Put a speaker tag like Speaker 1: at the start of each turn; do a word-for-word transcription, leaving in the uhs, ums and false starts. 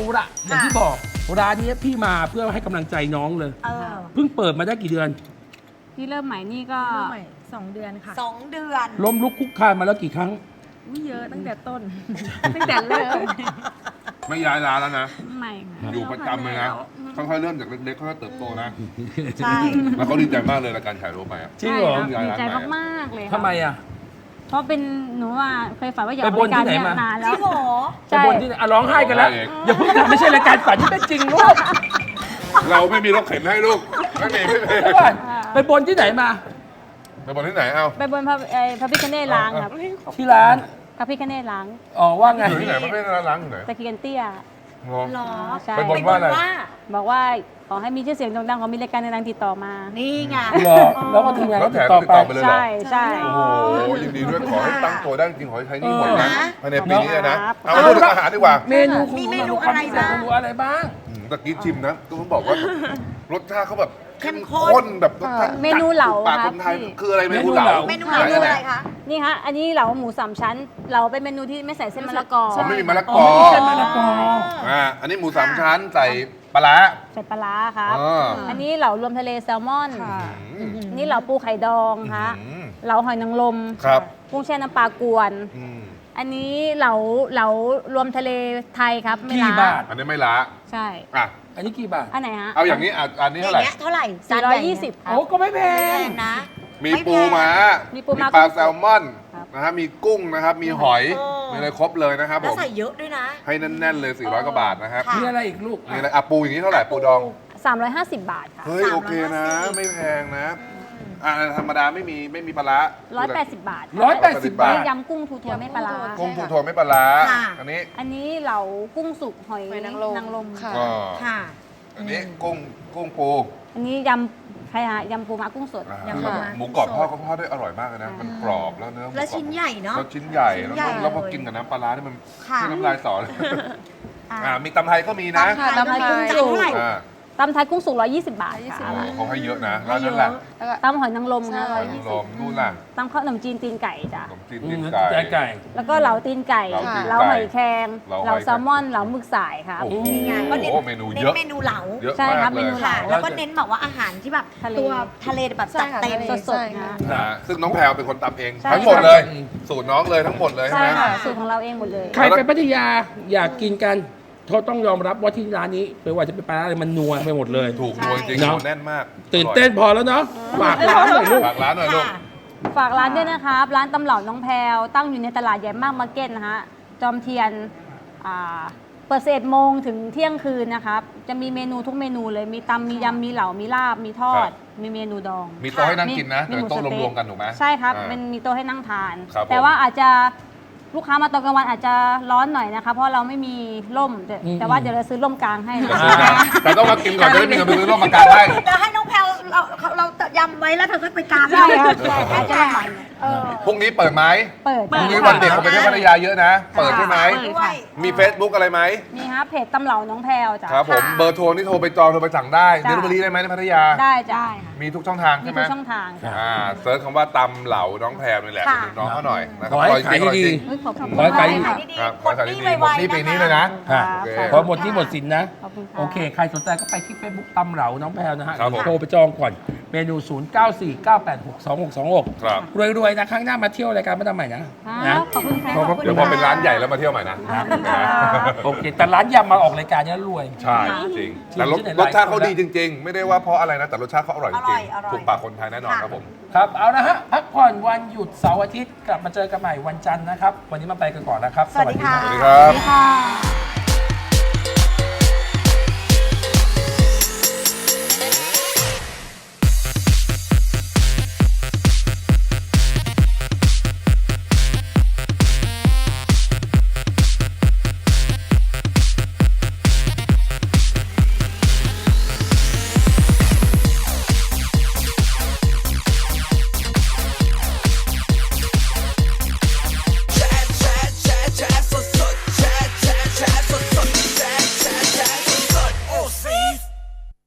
Speaker 1: ละอย่างที่บอกร้านนี้พี่มาเพื่อให้กำลังใจน้องเลย
Speaker 2: เออ
Speaker 1: เพิ่งเปิดมาได้กี่เดือน
Speaker 3: ที่เริ่มใหม่นี่ก็
Speaker 4: เริ่มใหม่สองเดือนค่ะ
Speaker 2: สองเดือน
Speaker 1: ล้มลุกคุกคานมาแล้วกี่ครั้ง
Speaker 4: อุ๊ยเยอะตั้งแต่ต้น
Speaker 3: ตั้งแต่เริ่ม
Speaker 5: ไม่ย้ายร้านแล้วนะ
Speaker 3: ใหม่ค่ะ
Speaker 5: อยู่ประจำเลยนะ ค่อยๆเริ่มจากเล็กๆค่อยๆเติบโตนะ
Speaker 2: ใช่
Speaker 5: แล้วเขาดีใจมากเลยในการขายโรไปอ่ะ
Speaker 1: จริงเหรอ
Speaker 3: ใช่ครับดีใจมากๆเลยค่ะ
Speaker 1: ทำไมอ่ะ
Speaker 3: เพราะเป็นหนูว่าเคยฝันว่าอยาก
Speaker 1: ไป
Speaker 3: ออก
Speaker 1: บน
Speaker 3: รายการ
Speaker 1: ที่ไหน
Speaker 3: เนี้ย
Speaker 1: มา
Speaker 3: นาน
Speaker 2: จ
Speaker 3: แล้
Speaker 2: ริ
Speaker 3: ว
Speaker 2: งเหรอ
Speaker 1: ไปบนที่ไหนอ่ะร้องไห้กันแล้ว
Speaker 5: ร้องไห้เอง
Speaker 1: อย่าเพิ่งทำไม่ใช่รายการฝันที่เป็นจริงลูก
Speaker 5: เราไม่มีรถเข็นให้ลูกไม่มีไม่มี
Speaker 1: เดี๋ยวก่อนไปบนที่ไหนมา
Speaker 5: ไปบนที่ไหนเอ้า
Speaker 3: ไปบนพระเอ่อพระพิฆเนศล้างครับ
Speaker 1: ที่ร้าน
Speaker 3: พระพิฆเนศล้าง
Speaker 1: อ๋อว่าไง
Speaker 5: อยู่ที่ไหนไม่ได้ร้านล้างอยู่ไหน
Speaker 3: ตะเคียนเตี้ย
Speaker 5: งอ
Speaker 2: หรอ
Speaker 3: ใช่
Speaker 5: ไปบนว่าอะไร
Speaker 3: บอกว่าขอให้มีชื่อเสียงโด่งดังขอมีรายการดังๆติดต่อมา
Speaker 2: นี่ไง
Speaker 1: เหรอแล้วก็ทีมงาน
Speaker 5: แล้
Speaker 1: ก็
Speaker 5: วแถ
Speaker 1: ติด
Speaker 5: ม
Speaker 1: ต่อ
Speaker 5: ติด
Speaker 1: ไป
Speaker 5: ต่อไปเลยเหรอ
Speaker 3: ใช่ใช่
Speaker 5: โอ้โหยินดีด้วยขอให้ตั้งตัวได้จริงขอให้ใช้หนี่หมดนะ
Speaker 2: เออ
Speaker 5: ภายในปีนี้เลยนะ
Speaker 3: ครับ
Speaker 5: เอามาพูดถึงอาหารดีกว่า
Speaker 1: เมนูคุณ
Speaker 2: มี
Speaker 1: ห
Speaker 2: เม
Speaker 1: นู
Speaker 2: นู
Speaker 1: ความ
Speaker 2: อะไร
Speaker 1: พิเศษ
Speaker 2: บ้าง
Speaker 1: ของหนูอะไรบ้าง
Speaker 5: อืมตะกี้ชิมนะต้องบอกว่ารสชาติเขาแบบ
Speaker 2: เข้มข้น
Speaker 5: แบบรสชาติ
Speaker 3: เมนูเหลา
Speaker 5: ปาก
Speaker 3: ค
Speaker 5: ครับ นไทย
Speaker 3: พี่
Speaker 5: คืออะไรเมนูเหลา
Speaker 2: เมนูเหลาคืออะไรคะ
Speaker 3: นี่ฮะอันนี้เหลาหมูสามชั้นเหลาเป็นเมนูที่ไม่ใส่เส้นมะละกอ
Speaker 5: อ๋อไม่มีมะละก
Speaker 1: อ๋
Speaker 5: อ
Speaker 1: อไม่มีเส้นมะละกอ
Speaker 5: อ่าอันนี้หมูสามชั้นใส่ปลาร้า
Speaker 3: ใส่ปลาร้าครับ
Speaker 5: อ๋อ
Speaker 3: อันนี้เหลารวมทะเลแซลมอน
Speaker 5: อืม
Speaker 3: นี่เหลาปูไข่ดองฮะ
Speaker 5: อืม
Speaker 3: เหลาหอยนางรม
Speaker 5: ครับ
Speaker 3: กุ้งแช่น้ำปลากวน
Speaker 5: อืม
Speaker 3: อันนี้เหลาเหลารวมทะเลไทยครับไม่
Speaker 1: กี่
Speaker 3: ล้า
Speaker 1: บาท
Speaker 5: อันนี้ไม่ละ
Speaker 3: ใช่
Speaker 5: อ่ะ
Speaker 1: อันนี้กี่บาท
Speaker 3: อันไหนฮะ
Speaker 5: เอาอย่างนี้อ่ะอันนี้
Speaker 2: อย่า
Speaker 5: เท่าง ไหร่
Speaker 2: เงี้ยเท่าไหร่
Speaker 3: สี่ร้อยยี่สิบครั
Speaker 1: โอ้
Speaker 3: บ
Speaker 1: ก็ไม่แพ
Speaker 2: แพ
Speaker 1: ง
Speaker 2: งนะ
Speaker 5: มี
Speaker 2: ไม่แพง
Speaker 5: ปูม้า
Speaker 3: มีปูม้า
Speaker 5: ปลาแซลมอน
Speaker 3: ครับ
Speaker 5: นะฮะมีกุ้งนะครับ มีหอย
Speaker 2: เออ
Speaker 5: มีอะไรครบเลยนะครับผ
Speaker 2: แล้ว
Speaker 5: ม
Speaker 2: ใส่เยอะด้วยนะ
Speaker 5: ให้แน่นๆเลยสี่ร้อยกว่าบาทนะครับ
Speaker 2: ค่ะ
Speaker 1: มีอะไรอีกลูก
Speaker 5: มีอะไรอ่ะปูอย่างนี้เท่าไหร่ปูดอง
Speaker 3: สามร้อยห้าสิบบาทค่ะ
Speaker 5: เฮ้ย โอเคนะ ไม่แพงนะ อ่าธรรมดาไม่มีไม่มีปลาร้า
Speaker 3: ร้อยแปดสิบบาท
Speaker 1: ร้อยแปดสิบบาท
Speaker 3: ยำกุ้งทูทัวไม่ปลาร้า
Speaker 5: กุ้งปูโทไม่ปลาร้า
Speaker 2: ค่ะ
Speaker 5: อันนี้
Speaker 3: อันนี้เหลากุ้งสุกหอย
Speaker 4: หอยนางรม
Speaker 3: นางรม
Speaker 4: ค่ะ
Speaker 5: ก็
Speaker 2: ค่ะ
Speaker 5: อันนี้กุ้งกุ้งปู
Speaker 3: อันนี้ยำใครฮะยำปูม้ากุ้งสด
Speaker 5: อ่า
Speaker 2: ยำ
Speaker 5: แล้ว
Speaker 2: ปูม้า
Speaker 5: หมูกรอบ
Speaker 2: กุ้งสด
Speaker 5: ทอดก็ทอดได้อร่อยมากเลยนะ มันกรอบแล้วเนื้อหมูกรอบ
Speaker 2: แล้วชิ้นใหญ่เนอะ
Speaker 5: แล้วชิ้นใหญ่
Speaker 2: ชิ้น
Speaker 5: แล้ว
Speaker 2: ใหญ่
Speaker 5: ก็แล้วพอ
Speaker 2: เลย
Speaker 5: กินกับน้ำปลาร้านี่มัน
Speaker 2: ค่ะ
Speaker 5: ที่น้ำลายสอน
Speaker 2: อ่ะ
Speaker 5: อ่ามีตำไทยก็มีนะ
Speaker 2: ตำไทย
Speaker 3: ตำไทยกุ้ง
Speaker 2: จาน
Speaker 3: สุก
Speaker 2: เท่าไหร่
Speaker 5: อ่า
Speaker 3: ตำไทยกุ้งสุกร้อยยี่สิบบาทค่ะ
Speaker 5: โอ้เขาให้เยอะนะแล้วนั่นแหละ
Speaker 4: แล้วก็
Speaker 3: ตำหอยนางรมค่ะ
Speaker 4: ใช่
Speaker 3: ร้อยยี่
Speaker 5: ล
Speaker 3: สิบ
Speaker 5: มนู่นล่ะ
Speaker 3: ตำข้าวหนมจีนตีนไก่จ้ะ
Speaker 5: ขนมจีน
Speaker 1: อื
Speaker 5: ตี
Speaker 1: ม
Speaker 5: นไก่
Speaker 1: ใจไก่
Speaker 3: แล้วก็เหลาตีนไก่
Speaker 5: เหลาตีนไก่
Speaker 3: เหลาหอยแครง
Speaker 5: เหลาหอย
Speaker 3: เหลาแซลมอนเหลาหมึกสายครับ
Speaker 5: โอ้โห
Speaker 2: นี่ไงก็เน้น
Speaker 5: เมนู
Speaker 2: เน้
Speaker 5: เย
Speaker 2: น
Speaker 5: อะ
Speaker 2: เมนูเหลา
Speaker 5: เยอะ
Speaker 3: ใช่
Speaker 5: มาก
Speaker 3: ครับ
Speaker 5: เล
Speaker 3: เม
Speaker 5: ย
Speaker 3: นู
Speaker 2: ค่ะ แล้วก็เน้นแบบว่าอาหารที่แบบ
Speaker 3: ทะเล
Speaker 2: ตัวทะเลแบบ
Speaker 4: ใช่
Speaker 2: จัด
Speaker 4: ค่ะ
Speaker 2: เต็ม
Speaker 4: ทะเล
Speaker 3: สด
Speaker 4: ใช่
Speaker 3: ๆ
Speaker 4: ค่ะ
Speaker 3: นะ
Speaker 5: นะซึ่งน้องแพรวเป็นคนตำเอง
Speaker 3: ใช่
Speaker 5: ทั้งหมดเลย สูตรน้องเลยทั้งหมดเลยใช่
Speaker 3: ใช่
Speaker 5: ไหม
Speaker 3: ค่ะสูตรของเราเองหมดเลย
Speaker 1: ใครไปพัทยาอยากกินกันเขาต้องยอมรับว่าที่ร้านนี้ไม่ว่าจะเป็นปลาร้าอะไรมันนัวไปหมดเลย
Speaker 5: ถูกนวลจริง
Speaker 1: เนอะ
Speaker 5: นวลแน่นมาก
Speaker 1: ตื่นเต้นพอแล้วเนาะฝากร้านหน่อยลูก
Speaker 5: ฝากร้านหน่อยลูก
Speaker 2: ค่ะ
Speaker 3: ฝากร้านด้วยนะครับ ร้านตำเหล่าน้องแพรวตั้งอยู่ในตลาดใหญ่มากมาร์เก็ตนะฮะจอมเทียนอ่าเปิดสิบเอ็ดโมงถึงเที่ยงคืนนะครับ จะมีเมนูทุกเมนูเลย มีตำมียำมีเหลามีลาบ มีทอด มีเมนูดอง
Speaker 5: มีโต๊ะให้นั่งกินนะ
Speaker 3: มี
Speaker 5: แต่
Speaker 3: หมู
Speaker 5: โต๊ะ
Speaker 3: สเต๊ะ
Speaker 5: รวมๆกันถูกไหม
Speaker 3: ใช่ครับ
Speaker 5: อ่า
Speaker 3: มันมีโต๊ะให้นั่งทาน
Speaker 5: ครับผม
Speaker 3: แต่ว่าอาจจะลูกค้ามาตอนกลางวันอาจจะร้อนหน่อยนะคะ เพราะเราไม่มีร่มแต่
Speaker 1: อืม
Speaker 3: แต่ว่าเดี๋ยวเราซื้อร่มกลางให้นะ
Speaker 5: เดี๋ยวซื้อนะแต่ต้องมากินก่อนจะได้มีเงินไปซื้อร่มมากางให้
Speaker 2: จะให้น้องแพลวเราเรายำไว้แล้วเธอก็ไปกาง
Speaker 3: ใช่ครับใช่
Speaker 2: ใช่
Speaker 3: อาจจะ
Speaker 2: ค่ะ
Speaker 3: ใหม่
Speaker 2: เออ
Speaker 5: พรุ่งนี้เปิดไหม
Speaker 3: เปิด
Speaker 5: พรุ่งนี้วันเด็กคนไปเที่ยวพัทยาเยอะนะ เปิดใช่ไหม
Speaker 2: ด้วย
Speaker 5: มี Facebook อะไรไหม
Speaker 3: มีฮะเพจตำเหล่าน้องแพรวจ้ะ
Speaker 5: ครับผม
Speaker 2: ค่ะ
Speaker 5: เบอร์โทรนี่โทรไปจองโทรไปสั่งได้
Speaker 3: จ้ะ
Speaker 5: เดลิเวอรี่ได้ไหมในพัทยา
Speaker 3: ได้จ้ะ
Speaker 5: มีทุกช่องทาง
Speaker 3: มี
Speaker 5: ใช่ไหม
Speaker 3: ทุกช่องทางจ้ะ
Speaker 5: อ่าเซิร์ชคำว่าตำเหลาน้องแพรวนี่แหละ
Speaker 2: ค่ะ
Speaker 5: เป็นน้องเขาหน่อยนะค
Speaker 1: ข
Speaker 5: รับ
Speaker 1: อให้
Speaker 5: ร่อยจ
Speaker 1: ขาย
Speaker 5: ริงอร่อย
Speaker 1: ดี
Speaker 5: จริง
Speaker 3: เฮ้ยขอบคุณ
Speaker 1: ขอให้ขาย
Speaker 3: มาก
Speaker 2: ดี
Speaker 5: ครับ
Speaker 2: ๆ
Speaker 5: ขอให้ขาย
Speaker 2: หม
Speaker 5: ดี
Speaker 2: ด
Speaker 5: ๆหมดหนี้ปีนี้เลยนะ
Speaker 1: ๆค่ะ
Speaker 5: โอเค
Speaker 1: พอหมดที่หมดสินนะ
Speaker 3: ขอบคุณค่ะ
Speaker 1: โอเค ใครสนใจก็ไปที่ Facebook ตำเหลาน้องแพรวนะฮะ
Speaker 5: ครับผม
Speaker 1: โทรไปจองก่อน เมนู ศูนย์ เก้า สี่ เก้า แปด หก สอง หก สอง หก
Speaker 5: ครับ
Speaker 1: รวยๆนะครั้งหน้ามาเที่ยวรายการมาทำใหม่นะ
Speaker 3: ค
Speaker 1: นะ
Speaker 3: รับขอบคุณค่ะ
Speaker 1: ขอบพระคุณ
Speaker 5: เดี๋ยวพอเป็นร้านใหญ่แล้วมาเที่ยวใหม่นะ
Speaker 3: ขอบคุณค่ะ
Speaker 1: โอเค แต่ร้านยำมาออกรายการเนี้ยรวย
Speaker 5: ใช่จริง แต่รส
Speaker 1: ที่ไหน
Speaker 5: รสชาติเขา
Speaker 1: หลายคน
Speaker 5: ดีจริง ๆ ไม่ได้ว่าเพราะอะไรนะ แต่รสชาติเขาอร่อยจ
Speaker 2: อร่
Speaker 5: ริ
Speaker 2: อง ยอร่อย
Speaker 5: ๆถูกปากคนไทยแน่นอนครับผม
Speaker 1: ครับ เอาละฮะ พักผ่อนวันหยุดเสาร์อาทิตย์ กลับมาเจอกันใหม่วันจันทร์นะครับ วันนี้มาไปกันก่อนนะครับ
Speaker 2: สวัสดีค่ะ
Speaker 5: สวัสดีครับ
Speaker 3: สวัสดีค่ะ